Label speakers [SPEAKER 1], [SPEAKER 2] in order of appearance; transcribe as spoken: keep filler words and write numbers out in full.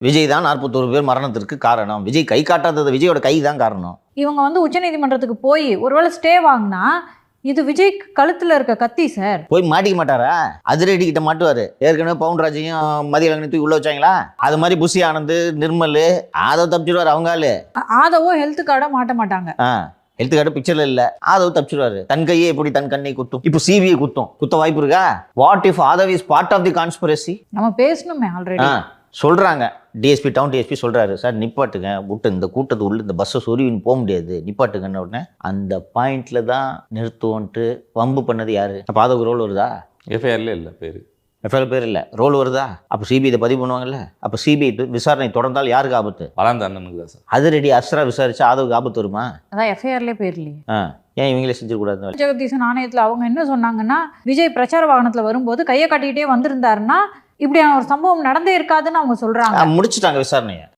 [SPEAKER 1] விஜய் தான் நாற்பத்தோரு பேர் மரணத்திற்கு காரணம், விஜய் கை காட்டாதது விஜயோட கை தான் காரணம்.
[SPEAKER 2] இவங்க வந்து உச்சநீதிமன்றத்துக்கு போய் ஒருவேளை ஸ்டே வாங்கினா இது விஜய் கழுத்துல இருக்க கத்தி சார்.
[SPEAKER 1] போய் மாட்டிக்க மாட்டாரா? அதிரடி கிட்ட மாட்டுவாரு. ஏற்கனவே பவுன்ராஜையும் மதிய தூக்கி உள்ள வச்சாங்களா, அது மாதிரி புஷி ஆனந்த், நிர்மல், ஆதவ் தப்பிச்சிருவாரு. அவங்க ஆளு
[SPEAKER 2] ஆதவோ ஹெல்த் கார்டை மாட்ட மாட்டாங்க.
[SPEAKER 1] ஹெல்த் கார்டு பிக்சர்ல இல்ல, ஆதவ் தப்பிச்சிருவாரு. தன் கையே எப்படி தன் கண்ணை குத்தும், இப்போ சிபிஐ குத்தும், குத்த வாய்ப்பு இருக்கா? What if Aadhav is part of the conspiracy?
[SPEAKER 2] நம்ம பேசணுமே ஆல்ரெடி.
[SPEAKER 1] சொல்றாங்க, டிஎஸ்பி டவுன் டிஎஸ்பி சொல்றாரு, சார் நிப்பாட்டுங்க, விட்டு இந்த கூட்டத்து உள்ள இந்த பஸ்ஸை சொருவின்னு போக முடியாது, நிப்பாட்டுங்கன்னு உடனே அந்த பாயிண்ட்ல தான் நிறுத்துவோன்ட்டு வம்பு பண்ணது யாரு? அப்போ ஆதவ் ரோல் வருதா?
[SPEAKER 3] எஃப்ஐஆர்ல இல்லை பேர்,
[SPEAKER 1] எஃப்ஐஆர் பேர் இல்லை, ரோல் வருதா? அப்போ சிபிஐ இதை பதிவு பண்ணுவாங்கல்ல. அப்போ சிபிஐ விசாரணை தொடர்ந்தால் யாருக்கு ஆபத்து?
[SPEAKER 3] வளர்ந்த அண்ணனுக்கு தான் சார்.
[SPEAKER 1] அது ரெடி அஸ்ரா விசாரிச்சா ஆதவுக்கு ஆபத்து வருமா?
[SPEAKER 2] அதான் எஃப்ஐஆர்லேயே பேர் இல்லையே.
[SPEAKER 1] ஆ, ஏன் இவங்களே செஞ்சிடக்கூடாது?
[SPEAKER 2] ஜெகதீசன் ஆணையத்தில் அவங்க என்ன சொன்னாங்கன்னா, விஜய் பிரச்சார வாகனத்தில் வரும்போது கையை காட்டிக்கிட்டே வந்திருந்தாருன்னா இப்படி ஒரு சம்பவம் நடந்தே இருக்காதுன்னு அவங்க சொல்றாங்க.
[SPEAKER 1] முடிச்சுட்டாங்க விசாரணையை.